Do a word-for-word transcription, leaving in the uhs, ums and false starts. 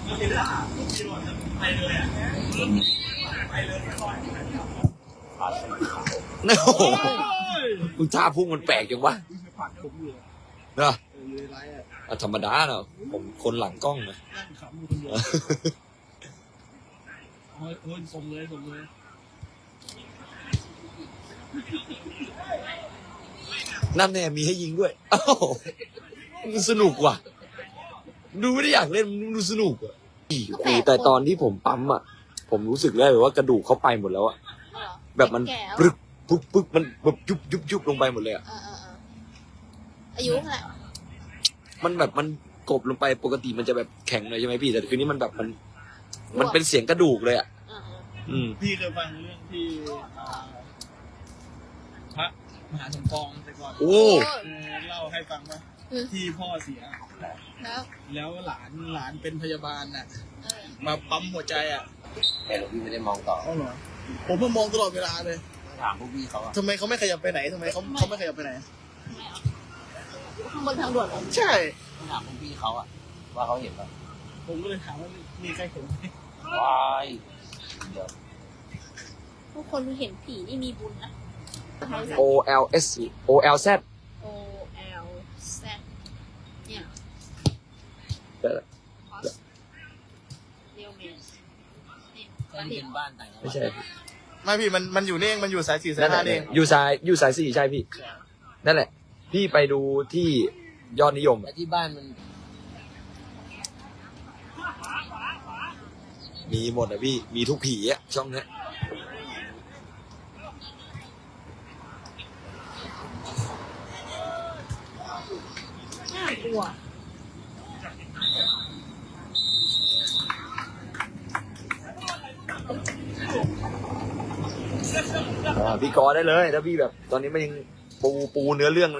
ไปเลยอ่ะไปเลยไม่รอดโอ้โหมึงท่าพุ่งมันแปลกจังวะผัดผมอยู่เนาะเอออยู่ในไลฟ์อ่ะอ่ะธรรมดาเนาะผมคนหลังกล้องนะนั่งขำอยู่คนเดียวโอ้ยโอ้ยส่งเลยส่งเลยนั่นแน่มีให้ยิงด้วยอ้าวมันสนุกว่ะดูไม่ได้อยากเล่นมันดูสนุกอ่ะอีแต่ตอนที่ผมปั๊มอ่ะผมรู้สึกได้เลยว่ากระดูกเขาไปหมดแล้วอ่ะแบบมันปึกปึ๊กปึ๊กมันแบบยุบยุบยุบลงไปหมดเลยอ่ะเออเออเอออายุเท่าไหร่มันแบบมันกบลงไปปกติมันจะแบบแข็งเลยใช่ไหมพี่แต่คืนนี้มันแบบมัน มันเป็นเสียงกระดูกเลยอ่ะเออเอออืมพี่เคยฟังเรื่องที่อ่าพระมหาสมปองแต่ก่อนโอ้เออเล่าให้ฟังว่าที่พ่อเสียแล้วแล้วหลานหลานเป็นพยาบาลน่ะเออมาปั๊มหัวใจอ่ะแต่หลวงพี่ไม่ได้มองต่อเอาเหรอผมเพิ่งมองตลอดเวลาเลยถามพวกพี่เขาอะทำไมเขาไม่ขยับไปไหนทำไมเขาเขาไม่ขยับไปไหนข้างบนทางด่วนเหรอใช่ถามพวกพี่เขาอะว่าเขาเห็นป่ะผมก็เลยถามว่ามีใครเห็นไหมวายเดี๋ยวทุกคนเห็นผีนี่มีบุญนะ O L S O L Z O L Z เนี่ยแต่เรียวเมสนี่แค่ที่เป็นบ้านต่างจังหวัดไม่ใช่ไม่พี่มันมันอยู่นี่เองมันอยู่สายสี่สายนั่นแหห้าละนี่เองอยู่สายอยู่สายสี่ใช่พี่นั่นแหละ พี่ไปดูที่ยอดนิยมแต่ที่บ้านมันมีหมดอะพี่มีทุกผีอะช่องเนี้ยน่ากลัวอ่าพี่กอได้เลยถ้าพี่แบบ ตอนนี้มันยังปูปูเนื้อเรื่อง